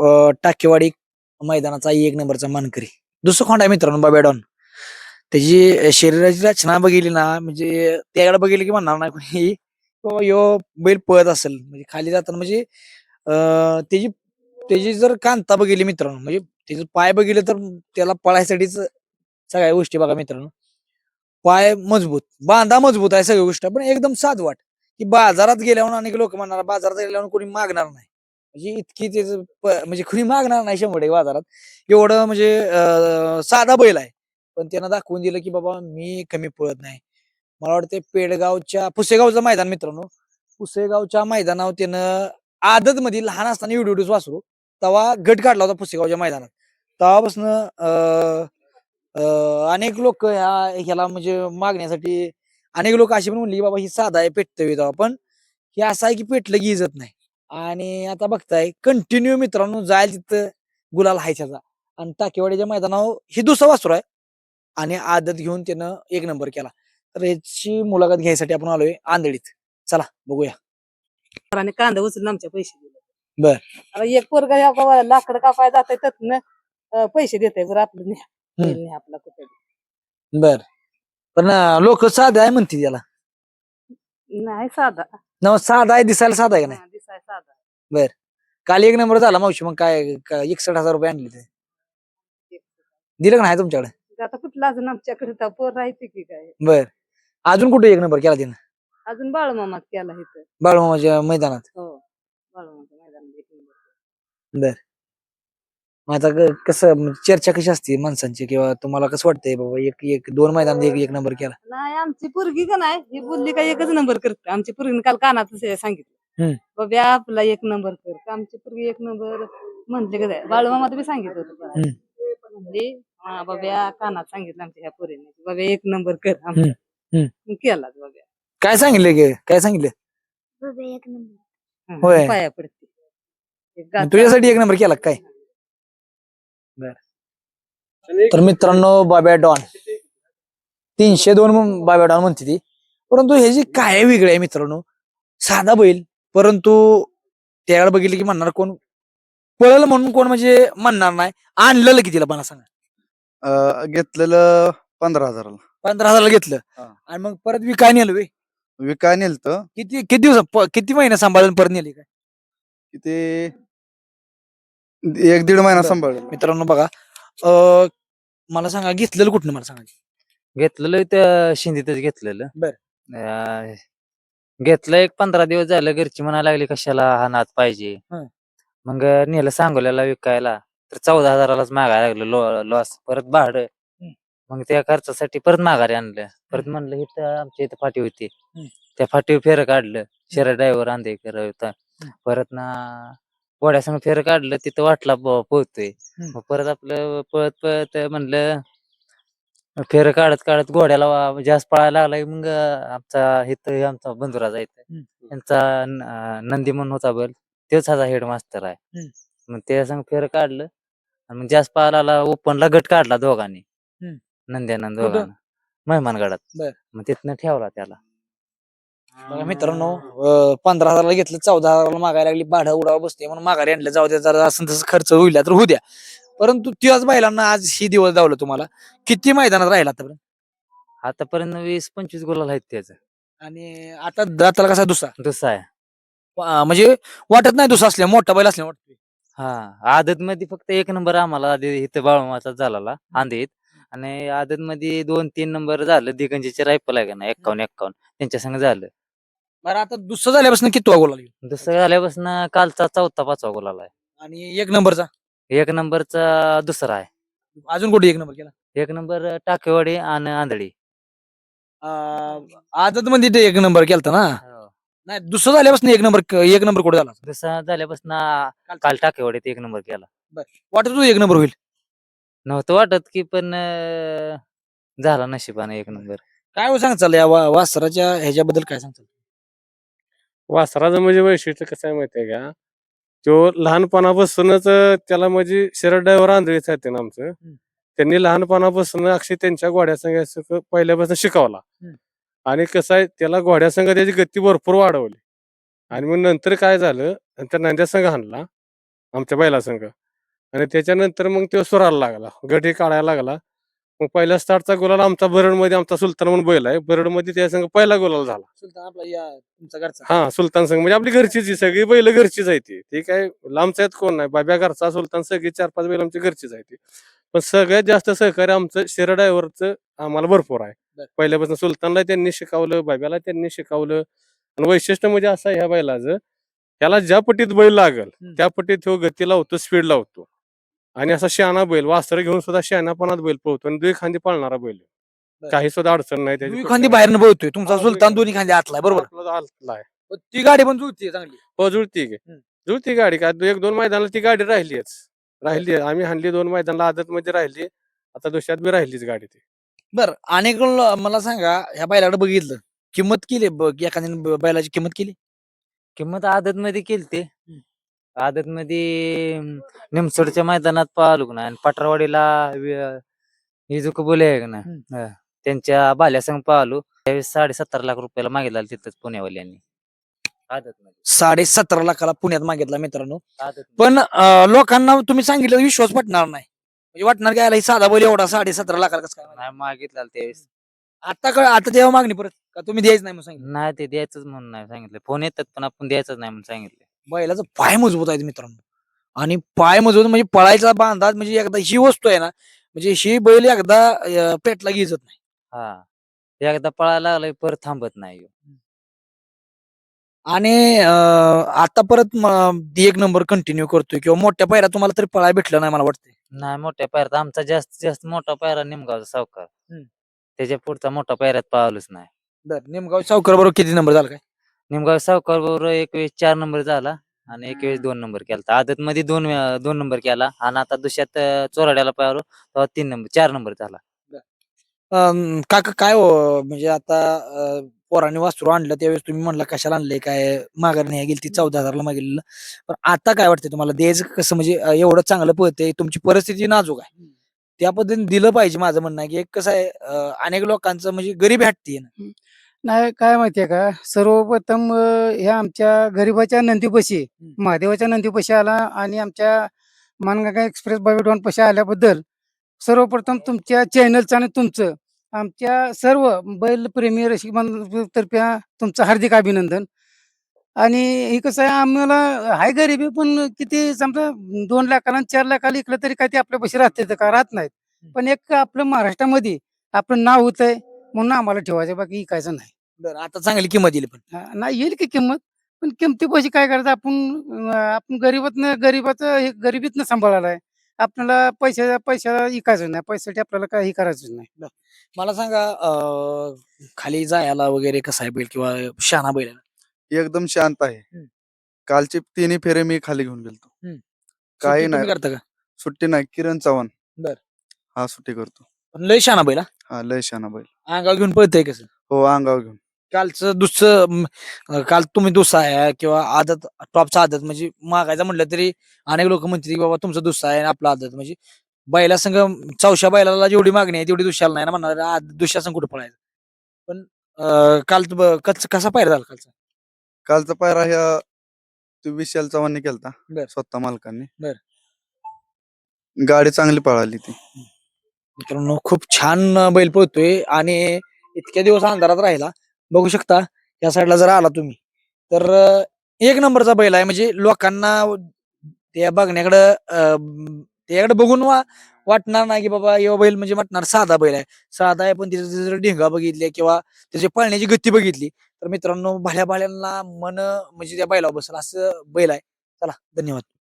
टाकेवाडी मैदानाचा एक नंबरचा मानकरी. दुसरं खोंड आहे मित्रांनो बाब्या डॉन. त्याची शरीराची रचना बघितली ना, म्हणजे त्याकडे बघितली की म्हणणार नाही कोणी बाबा ह्यो बैल पळत असेल. म्हणजे खाली जाताना म्हणजे त्याची त्याची जर कांता बघितली मित्रांनो, म्हणजे त्याचे पाय बघितले तर त्याला पळायसाठीच सगळ्या गोष्टी बघा मित्रांनो. पाय मजबूत, बांधा मजबूत आहे सगळी गोष्ट, पण एकदम साधवाट. की बाजारात गेल्यावर अनेक लोक म्हणणार बाजारात गेल्यावर कोणी मागणार नाही. म्हणजे इतकी त्याचं म्हणजे कोणी मागणार नाही 100% बाजारात. एवढं म्हणजे साधा बैल आहे. पण त्यानं दाखवून दिलं की बाबा मी कमी पळत नाही. मला वाटतं पेडगावच्या पुसेगावचं मैदान मित्रांनो. पुसेगावच्या मैदानावर त्यानं आदत मध्ये लहान असताना एवढं वासरू तेव्हा गट काढला होता पुसेगावच्या मैदानात. तेव्हापासून अनेक लोक ह्याला म्हणजे मागण्यासाठी अनेक लोक अशी पण म्हणली बाबा ही साधा आहे पेटतोय तेव्हा, पण हे असं आहे की पेटलं की इजत नाही. आणि आता बघताय कंटिन्यू मित्रांनो जायला तिथं गुलाल हाय त्याचा. आणि टाकेवाडीच्या मैदानावर ही दुसरं वासरू आहे आणि आदत घेऊन त्यानं एक नंबर केला. तर याची मुलाखत घ्यायसाठी आपण आलोय आंधळीत. चला बघूया. आणि कांदा उचलून आमच्या पैसे दिले. बर. आता एक पोरगा या बाबा लाकड कापाय जातंय त्यातनं पैसे देतंय बरं आपलं न्या. बैल न्या आपला कुठे. बर. पण लोक साधा आहे म्हणते त्याला. नाही साधा. न साधा आहे, दिसायला साधा आहे का नाही? हा, दिसाय साधा. बर. काल एक नंबर झाला मावशी, मग काय 61,000 रुपये आणले ते दिलं का नाही तुमच्याकडे? आता कुठला अजून आमच्याकडे तर पोर राहायचे की काय. बर. अजून कुठे एक नंबर केला तिनं? अजून बाळमामात केला इथं. बाळमामाच्या मैदानात. हो, बाळमामाच्या मैदानात एक नंबर. बर. मग आता कसं म्हणजे चर्चा कशी असते माणसांची, किंवा तुम्हाला कसं वाटतंय बाबा एक एक 2 मैदानात एक एक नंबर केला? नाही आमची पोरगी का नाही ही बोलली का एकच नंबर करते. आमची पोरगीने काल कानातच सांगितलं बाबा आपला एक नंबर कर. आमची पोरगी एक नंबर म्हणले का काय बाळमामात बी सांगितलं होतं. म्हणजे हा बाबा कानात सांगितलं आमच्या ह्या पोरीने बाबा एक नंबर कर आमचा. केला बाबा. काय सांगितलं की काय सांगितलं? बाबा एक नंबर. होय. पाया पडते. मग तुझ्यासाठी एक नंबर केला काय? बर. तर मित्रांनो बाब्या डॉन 302 बाब्या डॉन म्हणते ती, परंतु हे जे काय वेगळे आहे मित्रांनो. साधा बैल, परंतु त्याकडे बघितलं की म्हणणार कोण पळलं म्हणून कोण म्हणजे म्हणणार नाही. आणलेलं कितीला मला सांगा? घेतलेलं 15,000ला. 15,000 घेतलं हा. आणि मग परत विकाय नेलं वे. विकाय नेलत किती दिवस किती महिने सांभाळून परत नेली काय? ते 1-1.5 महिना बरं. सांभाळलं. मित्रांनो बघा, मला सांगा घेतलेलं कुठनं मला सांगा. घेतलेलं त्या शिंदीतच घेतलेलं. बर. घेतलं एक 15 दिवस झालं. घरची म्हणायला लागली कशाला हा नाद पाहिजे. हं. मग नेलं सांगोल्याला विकायला तर 14,000लाच मागायला लागलं लॉस. परत भाडं. मग त्या खर्चासाठी परत माघारी आणलं. परत म्हणलं इथं आमच्या इथं फाटी होती. त्या फाटीवर फेरं काढलं. शहर ड्रायव्हर आंधेकर होता. परत ना घोड्यासंग फेरं काढलं. तिथं वाटला पोहतोय. मग परत आपलं पळत पळत म्हणलं फेरं काढत काढत घोड्याला जास्त पळायला लागला की मग आमचा इथं आमचा बंधुरा जायचा त्यांचा नंदी म्हणून होता बैल. तोच हा हेड मास्तर आहे. मग त्या संग फेरं काढलं आणि मग जास्त पळायला ओपनला गट काढला दोघांनी. नंद्यानंद दोघांना मेहमानगडात. बर. मग तिथनं ठेवला त्याला. बघा मित्रांनो, 15,000 घेतलं, 14,000 मागायला लागली. भाडं उडावं बसते म्हणून माघारी आणलं. जाऊ द्या, जरा असं तसं खर्च होईल तर होऊ द्या. परंतु त्याच बैलांना आज ही दिवस दावलं तुम्हाला. किती मैदानात राहिला आतापर्यंत? आतापर्यंत 20-25 गुलाल आहेत त्याचं. आणि आता दाताला कसा दुसरा दुसरा आहे. म्हणजे वाटत नाही दुसरा असल्या मोठा बैल असल्या वाटतोय. हा आदत मध्ये फक्त एक नंबर आम्हाला आधी इथं बाळमाचा झाला आंधीत. आणि आदत मध्ये 2-3 नंबर झालं. दिगंजीचे रायफल आहे का ना 51-51 त्यांच्या संग झालं. बरं, आता दुसरं झाल्यापासून किती गोल आली दुसरं झाल्यापासून कालचा 4था-5वा गुलाल आहे. आणि एक नंबरचा एक नंबरचा दुसरा आहे. अजून कुठे एक नंबर केला? एक नंबर टाकेवाडी आणि आंधळी. आदत मध्ये ते एक नंबर केलता ना. नाही, दुसरं झाल्यापासून एक नंबर कुठे झाला? दुसरा झाल्यापासून काल टाकेवाडीत एक नंबर केला. वाटत होतं एक नंबर होईल? नव्हतं वाटत की, पण झाला नशिबाने एक नंबर. काय हो सांगचाल या वासराच्या ह्याच्याबद्दल काय सांगचाल? वासराचं म्हणजे वैशिष्ट्य कसं आहे माहितीये का, तो लहानपणापासूनच त्याला म्हणजे शरद ड्रायव्हर आंधळीच आहेत ना आमचं. त्यांनी लहानपणापासून अक्षय त्यांच्या घोड्यासंग पहिल्यापासून शिकवला. आणि कसं आहे त्याला घोड्यासंग त्याची गती भरपूर वाढवली. आणि मग नंतर काय झालं, नंतर नंद्यासंग आणला आमच्या बैलासंग. आणि त्याच्यानंतर मग तो सुराला लागला, गट हे काढायला लागला. मग पहिल्या स्टार्टचा गुलाल आमचा बरडमध्ये आमचा सुलतान म्हणून बैल आहे, बरडमध्ये त्या संघ पहिला गुलाल झाला. सुलतान आपला या तुमचा घरचा. हा, सुलतान संघ म्हणजे आपली घरचीच ही सगळी बैल घरचीच आहे ती काय लांबच्या आहेत कोण नाही. बाब्या घरचा, सुलतान, सगळी 4-5 बैल आमची घरचीच आहे ती. पण सगळ्यात जास्त सहकार्य आमचं शेरा ड्रायव्हरचं आम्हाला भरपूर आहे. बर. पहिल्यापासून सुलतानला त्यांनी शिकवलं, बाब्याला त्यांनी शिकवलं. आणि वैशिष्ट्य म्हणजे असं आहे ह्या बैलाचं, त्याला ज्या पट्टीत बैल लागल त्या पट्टीत तो गती लावतो, स्पीड लावतो. आणि असा शहाणा बैल, वासर घेऊन सुद्धा शहाणापणात बैल पळतो आणि 2 खांदी पळणारा बैल आहे. बर. काही सुद्धा अडचण नाही त्याची. दोन्ही खांदी बाहेरनं बोलतोय तुमचा हा, सुलतान, दोन्ही खांदी आतलाय बरोबर. आपला आतला आहे. पण ती गाडी पण जुळते चांगली. हो, जुळती की. हम्म. जुळती गाडी का 1-2 मैदानाला ती गाडी राहिली. आम्ही हाणली 2 मैदानाला, आदत मध्ये राहिली. आता दुसऱ्यात बी राहिलीच गाडी ती. बर, अनेक मला सांगा, ह्या बैलाकडे बघितलं, किंमत केली एखाद्याने बैलाची किंमत केली? किंमत आदत मध्ये केलती. आदत मध्ये निमसोडच्या मैदानात पाहिलो ना, आणि पटरवाडीला इजुक बोले आहे ना, त्यांच्या बाल्यासंग पाहिलो. त्यावेळेस 7.5 लाख रुपयाला मागितला तिथंच पुण्यावाल्यांनी आदत मध्ये. 17.5 लाखाला पुण्यात मागितला मित्रांनो. आदत पण लोकांना तुम्ही सांगितलं विश्वास पटणार नाही, म्हणजे वाटणार काय, साधा बैल एवढा 17.5 लाखाला कसं काय? नाही मागितला त्यावेळेस. आता तेव्हा मागणी परत का तुम्ही द्यायच नाही म्हणून सांगितलं? नाही, ते द्यायचंच म्हणून नाही सांगितलं. फोन येतात पण आपण द्यायचंच नाही म्हणून सांगितलं. बैलाचा पाय मजबूत आहे मित्रांनो, आणि पाय मजबूत म्हणजे पळायचा बांधाच, म्हणजे एकदा ही वस्तू आहे ना, म्हणजे ही बैल एकदा पेटला गिजत नाही. हा, एकदा पळायला लागलं की परत थांबत नाही ह्यो. आणि आता परत 1 नंबर कंटिन्यू करतोय, किंवा मोठ्या पायऱ्यात तुम्हाला तरी पळायला भेटलं नाही मला वाटतंय. नाही, मोठ्या पायऱ्यात आमचा जास्तीत जास्त मोठा पायरा निमगावचा सावकार. हम्म. त्याच्या पुढचा मोठा पायऱ्यात पावलोच नाही. बरं, नेमगाव सावकार बरोबर किती नंबर झाला काय? निमगाव सावकार बरोबर 1 वेळेस 4 नंबर झाला आणि 1 वेळेस 2 नंबर केला. आदत मध्ये 2 नंबर केला आणि आता दुसऱ्यात चोराड्याला पाहिलो तेव्हा 3 नंबर 4 नंबर झाला. काका काय हो, म्हणजे आता पोरांनी वासरू आणलं त्यावेळेस तुम्ही म्हणला कशाला आणलंय, काय माघार नाही गेली ती 14,000ला मागितलेलं. पण आता काय वाटतंय तुम्हाला, द्यायचं कसं, म्हणजे एवढं चांगलं पळतंय, तुमची परिस्थिती नाजूक आहे, त्या पद्धतीने दिलं पाहिजे. माझं म्हणणं आहे की एक कसं आहे, अनेक लोकांचं म्हणजे गरीब हटते ना. नाही, काय माहितीये का, सर्वप्रथम ह्या आमच्या गरीबाच्या नंदीपाशी, महादेवाच्या नंदीपाशी आला आणि आमच्या मानगंगा एक्सप्रेस बाबेडॉन पाशी आल्याबद्दल सर्वप्रथम तुमच्या चॅनलचं आणि तुमचं, आमच्या सर्व बैलप्रेमी रसिक तर्फे तुमचं हार्दिक अभिनंदन. आणि हे कसं आहे, आम्हाला हाय गरिबी, पण किती समजा 2 लाखाला आणि 4 लाखाला इकलं तरी काय ते आपल्यापाशी राहते का, राहत नाहीत. पण एक आपलं महाराष्ट्रामध्ये आपलं नाव होतंय म्हणून आम्हाला ठेवायचं, बाकी इकायचं नाही. बरं, आता चांगली किंमत दिली पण. नाही, येईल की किंमत, पण किमतीपाशी काय करायचं, आपण गरीबाचं हे गरिबीतनं सांभाळायला आहे. आपल्याला पैशाला इकायचं नाही, पैशासाठी आपल्याला काही करायचं नाही. मला सांगा, खाली जायला वगैरे कसा आहे बैल, किंवा शहाणा बैल आहे ना? एकदम शांत आहे. कालचे 3 फेरे मी खाली घेऊन गेलतो. काही सुट्टी तुम्ही नाही, करता का? सुट्टी नाही. किरण चव्हाण बर. हा सुट्टी करतो. पण लय शहाणा बैल हा? हा, लय शाना बैल. अंगावर घेऊन पळतंय कसं? हो, अंगावर घेऊन. कालचं दुसरं काल तुम्ही दुसरा आहे, किंवा आदत टॉपचा आदत, म्हणजे मागायचं म्हटलं तरी अनेक लोक म्हणतात की बाबा तुमचं दुसरा आहे आणि आपला आदत, म्हणजे बैला संघ चौशा बैलाला जेवढी मागणी आहे तेवढी दुसऱ्याला नाही ना, म्हणणार दुसऱ्या संघ कुठं पळायचं. पण काल कसा पायरा झाला कालचा? कालचा पायरा ह्या विशाल चव्हाणने केलता, बर. स्वतः मालकांनी. बर. गाडी चांगली पळाली ती. मित्रांनो, खूप छान बैल पळतोय, आणि इतक्या दिवस अंधारात राहिला. बघू शकता या साईडला जर आला तुम्ही तर 1 नंबरचा बैल आहे, म्हणजे लोकांना त्या त्याकडे बघून वाटणार नाही की बाबा यो बैल म्हणजे वाटणार साधा बैल आहे. साधा आहे, पण तिथे जर ढेंगा बघितले किंवा त्याची पळण्याची गती बघितली तर मित्रांनो, भाल्या भाल्यांना मन म्हणजे त्या बैलावर बसेल असं बैल आहे. चला, धन्यवाद.